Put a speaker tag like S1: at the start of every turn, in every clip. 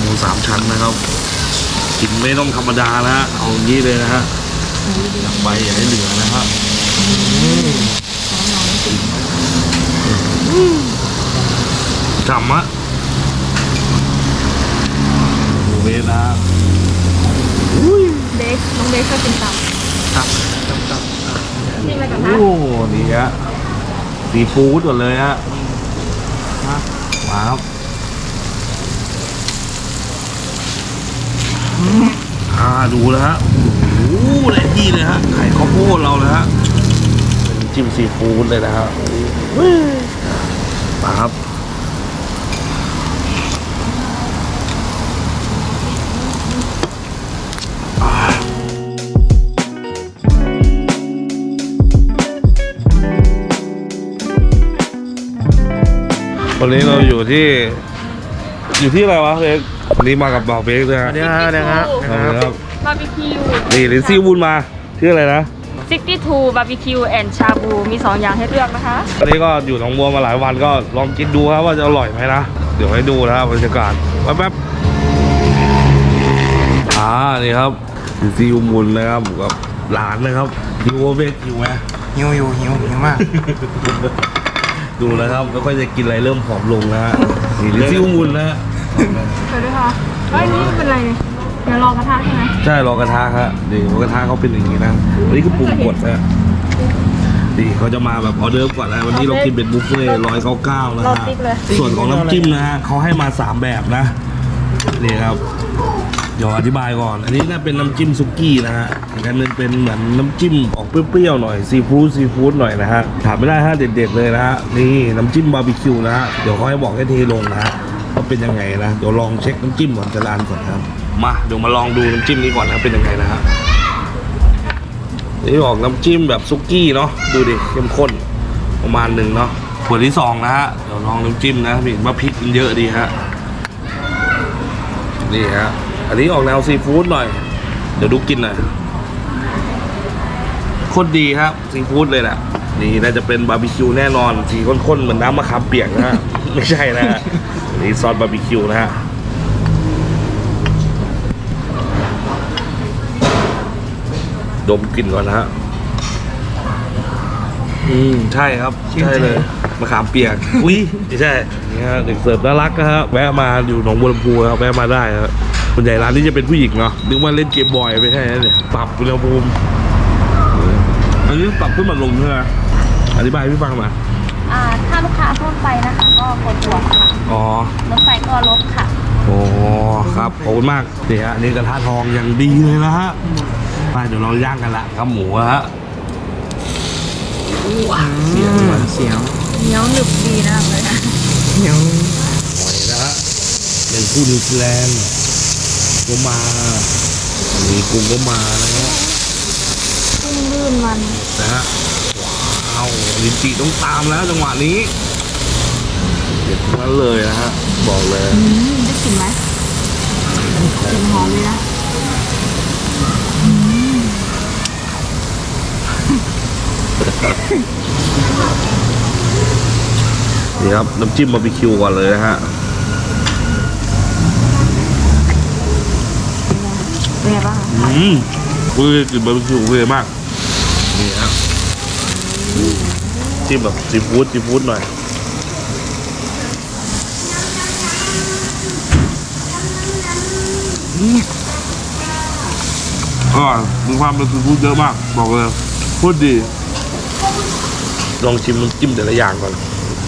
S1: 3 ชั้นนะครับกินไม่ต้องธรรมดานะฮะเอาอย่างนี้เลยนะฮะอยากไปอย่าให้เหลือนะครับฉ่ำอะเวทนะ
S2: เบคน้องเบคชอบกินตับ
S1: ตับ
S2: นี่อะไรกันนะ
S1: โอ้นี่ฮะซีฟู้ดก่อนเลยฮะมาครับดูแล้วฮะโอ้โหเลยดีเลยฮะไข่ข้าวโพดเราเลยฮะเป็นจิ้มซีฟู้ดเลยนะฮะมาครับวันนี้เราอยู่ที่อะไรวะเบกวันนี้มากับบ่าวเบกด้วยฮะ
S3: เดี๋ยวครับ
S2: บาร์บีคิว
S1: นี่ลินซี่วุ้นมาชื่ออะไรนะ
S2: 62บาร์บีคิวแอนด์ชาบูมี2อย่างให้เลือกนะคะ
S1: วันนี้ก็อยู่หนองบัวมาหลายวันก็ลองกินดูครับว่าจะอร่อยไหมนะเดี๋ยวให้ดูนะครับบรรยากาศแป๊บนี่ครับลินซี่วุ้นนะครับกับหลานนะครับหิวเบกหิวไหม
S3: หิวมาก
S1: ดูนะครับแล้วก็จะกินอะไรเริ่มผอมลงนะฮะนี่ลินซี่วุ้นนะฮะ
S2: สวัสดีค่ะนี่เป็นอะไรเนี่ยเดี๋ยวรอกระทะใช่ไหม
S1: ใช่รอกระทะครับนี่รอกระทะเขาเป็นอย่างนี้นะอันนี้คือปรุงกดนะนี่เขาจะมาแบบออเดอร์ก่อนนะวันนี้เรากินเป็นบุฟเฟ่199นะฮะส่วนของน้ำจิ้มนะฮะเขาให้มา3แบบนะนี่ครับเดี๋ยวอธิบายก่อนอันนี้น่าเป็นน้ำจิ้มซุกี้นะฮะอีกอันนึงเป็นเหมือนน้ำจิ้มออกเปรี้ยวๆหน่อยซีฟู้ดหน่อยนะฮะถามไม่ได้ฮะเด็ดๆเลยนะฮะนี่น้ำจิ้มบาร์บีคิวนะฮะเดี๋ยวเขาให้บอกให้เทลงนะฮะว่าเป็นยังไงนะเดี๋ยวลองเช็คน้ำจิ้มก่อนจะร้านก่อนครับมาเดี๋ยวมาลองดูน้ำจิ้มนี้ก่อนนะเป็นยังไงนะฮะนี่ออกน้ำจิ้มแบบซุกี้เนาะดูดิเข้มข้นประมาณหนึ่งเนาะขวดที่2นะฮะเดี๋ยวลองน้ำจิ้มนะเห็นว่าพริกมันเยอะดีฮะนี่ฮะอันนี้ออกแนวซีฟู้ดหน่อยเดี๋ยวดูกินหน่อยโคตรดีครับซีฟู้ดเลยแหละนี่น่าจะเป็นบาร์บีคิวแน่นอนสีข้นๆเหมือนน้ำมะขามเปียกนะฮะ ไม่ใช่นะฮะนี่ซอสบาร์บีคิวนะฮะดมกลิ่นก่อนนะฮะใช่ครับใช่เลยมะขามเปียกอุ้ยไม่ใช่นี่ฮะเด็กเสิร์ฟน่ารักนะฮะแวะมาอยู่หนองบัวลำพูครับแวะมาได้ครับส่วนใหญ่ร้านนี้จะเป็นผู้หญิงเนาะนึกว่าเล่นเกมบอยไม่ใช่เนี่ยปรับอุณหภูมิอันนี้ปรับขึ้นมาลงใช่ไหมอธิบายให้พี่ฟังมา
S2: ถ้าลูกค้าทั่วไปนะคะก็กดบวกค่ะรถไฟก็ลบค่ะ
S1: โอ้ครับขอบคุณมากนี่ฮะนี่กระทะทองอย่างดีเลยนะฮะไปเดี๋ยวเราย่างกันละครับหมูฮะ
S3: เสียว
S2: เหนียวหนึบดีนะเลยนะ
S3: เหนียว
S1: หอยนะฮะเป็นผู้นิวซีแลนด์ก็มามีกุ้งก็มานะฮะ
S2: กุ้งลื่นมัน
S1: นะฮะว้าวลินจีต้องตามแล้วจังหวะนี้เด็ดทั้งนั้นเลยนะฮะบอกเลย
S2: ได้กลิ่นไหมกลิ่นหอมเลยนะ
S1: นี่ครับน้ำจิ้มบาร์บีคิวก่อนเลยนะฮะ
S2: เป็นไงบ้าง
S1: อุ้ยกลิ่นบาร์บีคิวเยอะมากนี่ฮะจิ้มแบบซีฟู้ดหน่อยมีความเป็นซีฟู้ดเยอะมากบอกเลยพูดดีลองชิมน้ำจิ้มแต่ละอย่างก่อน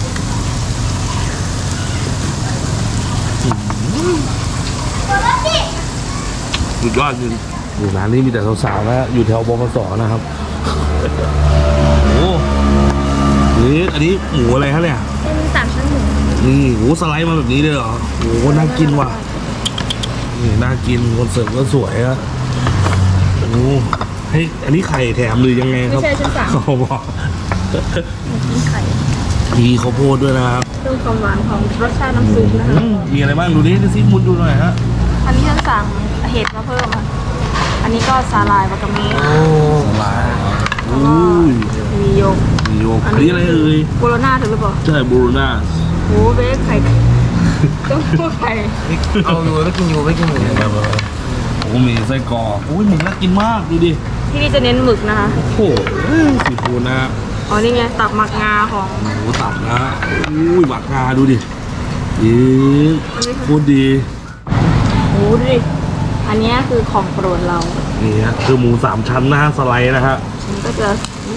S1: สุดยอดจริงอยู่ร้านนี้มีแต่สาวๆนะอยู่แถวบขสนะครับโอ้นี่อันนี้หมูอะไรฮะเนี่ย
S2: เป็น3 ชั้นหมู
S1: นี่หมูสไลด์มาแบบนี้เลยเหรอโอ้น่ากินว่ะนี่น่ากินคนเสิร์ฟก็สวยอะโอ้ให้อันนี้ไข่แถมหรือยังไงครับ
S2: ไม่ใช่ชั้น3
S1: เขาบอก
S2: มีไข่
S1: มีข้าวโพดด้วยนะครับ
S2: เรื่องความหวานของรสชาติน้ำซุปนะคะ
S1: มีอะไรบ้างดูดิซิมุนดูหน่อยฮะ
S2: อันนี้ฉันสั่งเห็ดมาเพิ่มค่ะอันนี้ก็สาลายวากาเมะ
S1: สาลายอุ้ย
S2: มีโยก
S1: อันนี้อะไรเอ่ย
S2: โบโลน่าถูกหรือเปล่า
S1: ใช่โบโลน่า
S2: โอ้เบคไข่ต้องพูดไป
S3: เอาอยู่ไม่กินอยู่ไม่กินอยู่
S1: โอ้มีไส้กรอกโอ้ยหมึกน่ากินมากดูดิ
S2: ที่นี่จะเน้นหมึกนะคะ
S1: โอ้โหซีฟู้ดนะ
S2: อ๋อนี่ไงตับหมักงาของ
S1: หมูตับนะอุ้ยหมักงาดูดิอีโคตรดี
S2: โอ้ดูดิอันนี้คือของโปรดเรา
S1: นี่ฮะคือหมูสามชั้นนะฮะสไลด์นะฮะ
S2: มันก็จะ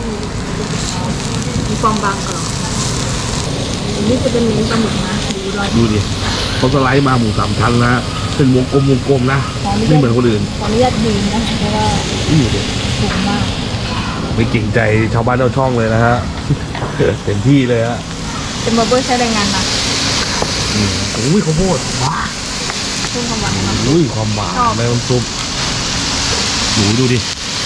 S2: มีความบางกรอบอันนี้จะเป็นเน้นปลาหมึกนะดูรอย
S1: ดูดิเขาสไลด์มาหมูสามชั้นนะฮะเป็นวงกลมนะไม่เหมือนคนอื่น
S2: ขออนุญาตยืนนะเพราะว่า
S1: นี่ดิ
S2: สูงมาก
S1: ไม่เก่งใจชาวบ้านชาวช่องเลยนะฮะ เต็มที่เลยฮะ
S2: เป็นบาร์เบอร์ใช้แรงงานนะ
S1: อุ้ยข้าวโพดว้า
S2: เพิ่มความหวานให้มัน
S1: อุ้ยความหวานในน้ำซุปหนูดูดิ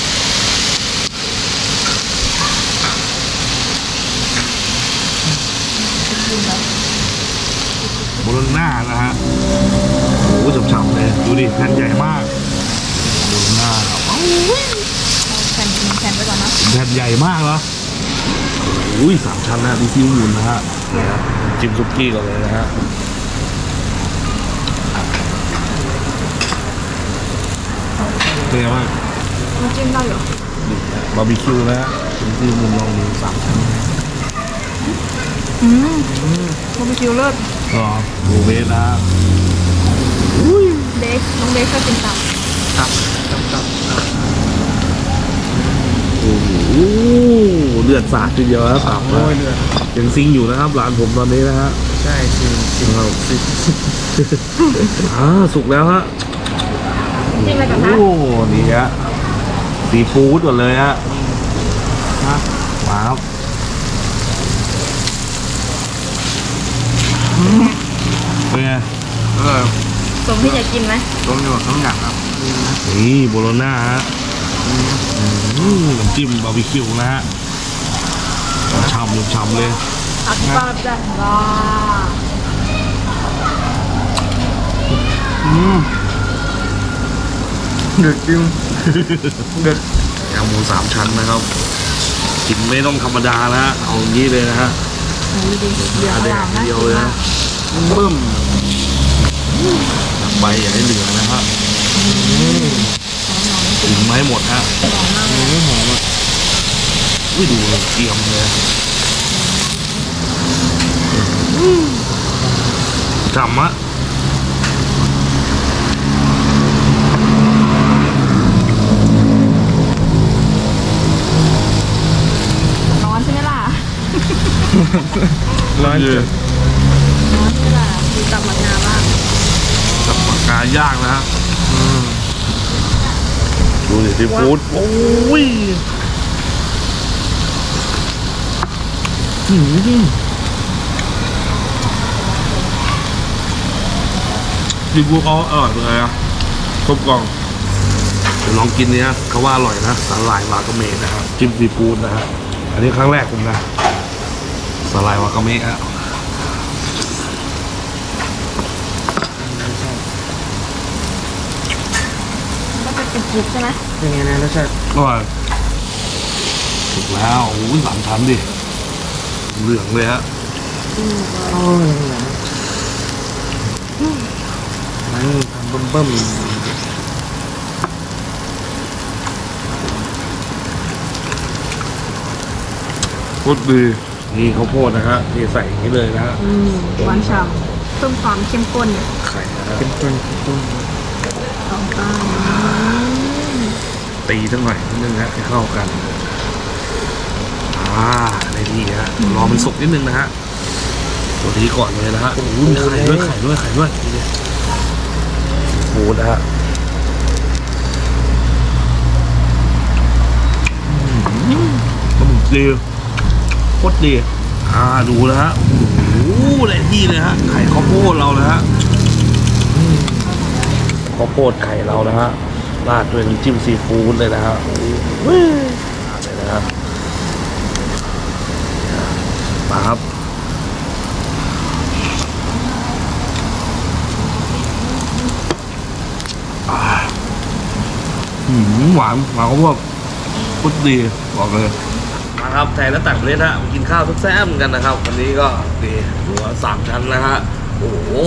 S1: โบโลน่านะฮะโอ้ฉ่ำๆเลยดูดิแผ่นใหญ่มากโบโลน่า
S2: เอาแผ่นไปก่อนนะ
S1: แผ่นใหญ่มากเหรออุ้ยสามชั้นนะดูซิวหมุนนะฮะนี่ฮะจิ้มซุกี้ก่อนเลยนะฮะเป็นไงบ้าง
S2: น้ำจิ้มได้เหรอบ
S1: าร์บีคิวนะฮะจิ้มซิวหมุนลองดูสามชั้น
S2: บาร์บีคิวเลิศ
S1: ก็ดูเบสนะฮะ
S2: เบคน้องเบคชอบกินตับ
S3: ตับ
S1: โอ้โหเลือดสาดทีเดียวนะตับนะ
S3: โอ้ยเลือด
S1: ยังซิงอยู่นะครับร้านผมตอนนี้นะฮะ
S3: ใช่จริงจริง
S1: สุกแล้วฮะ
S2: จิ้มอะไรกันนะ
S1: โอ้นี่ฮะซีฟู้ดก่อนเลยฮะมาครับเป็นไง
S3: เออ
S2: สมที่อยากกินไหม
S3: ต้มอยู่ต้มอย่างครับ
S1: นี่โบโลน่าฮะน้ำจิ้มบาร์บีคิวนะฮะฉ่ำเลย
S2: อักปาจ้ะว้า
S3: เดือดจริงเดือด
S1: ยำหมูสามชั้นนะครับกินไม่ต้องธรรมดานะฮะเอาอย่างนี้เลยนะฮะ
S2: โอ้ยดีเหลืองอ
S1: แด
S2: ร่าง มน่า
S1: เดียว
S2: กิน
S1: เลย
S2: มา
S1: นะ
S2: ก
S1: บึ้มใบอย่าให้เหลือนะครับถึงไม้หมดฮะอุ้ยดูเลยเกรียมเลยฉ่ำอะ
S2: ร้อนใช่ไหมล่ะ
S3: ร้อน
S1: คือ
S2: ร้อนใช่ไหมล่ะดูตับหมักงาบ้าง
S1: กับปากกาย่างนะฮะดูดิซีฟู้ดโอ้ยซีฟู้ดเขาอร่อยเลยอะครบกล่องเดี๋ยวลองกินเนี้ยเขาว่าอร่อยนะสาหร่ายวากาเมะนะครับจิ้มซีฟู้ดนะฮะอันนี้ครั้งแรกผมนะสาหร่ายวากาเมะฮะ
S2: ก็จะกรุบๆใช่ไหม
S3: เป็นไงนะรสชาติ
S1: อร่อยถูกแล้วโอ้ยสามชั้นดิเหลืองเลยฮะ
S3: โอ้ยมันทำเบิ่ม
S1: โคตรดีนี่ข้าวโพดนะฮะนี่ใส่อย่างนี้เลยนะฮะ
S2: หวานฉ่ำเพิ่มความเข้มข้น
S1: ไข่นะฮะ
S3: เป็นต้น
S2: สองก้าน
S1: ตีทั้งหน่อยนิดนึงฮะให้เข้ากันในที่ฮะรอมันสุกนิดนึงนะฮะตัวนี้ก่อนเลยนะฮะโอ้โหมีไข่ด้วยนี่ดิซีฟู้ดนะฮะปลาหมึกดีโคตรดีดูนะฮะโอ้โหได้ที่เลยฮะไข่ข้าวโพดเรานะฮะข้าวโพดไข่เรานะฮะราดด้วยน้ำจิ้มซีฟู้ดเลยนะฮะโอ้โหเลยนะครับมาครับหวานข้าวโพดโคตรดีบอกเลยมาครับไทยและต่างประเทศฮะมากินข้าวแซ่บๆกันนะครับวันนี้ก็ดีหัวสามชั้นนะฮะโอ้โห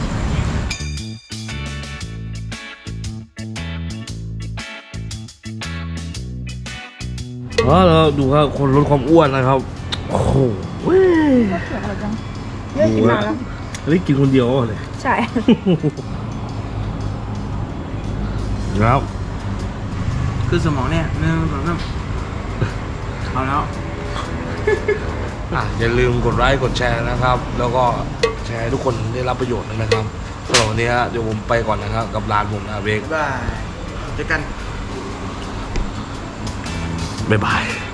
S1: เราดูครับคนลดความอ้วนนะครับ โอ้โหเว้ย
S2: เสียงอะไรจัง
S1: ดูนะอันนี้กินคนเดียวเลย
S2: ใช่
S1: ครับ
S3: คือสมองเนี่ย1 2 3เอาแล้ว
S1: อย่าลืมกดไลค์กดแชร์นะครับ แล้วก็แชร์ให้ทุกคนได้รับประโยชน์นะครับสำหรับวันนี้เดี๋ยวผมไปก่อนนะครับ กับร้านผมนะเบก
S3: บ๊ายบายเจอกัน
S1: บ๊ายบาย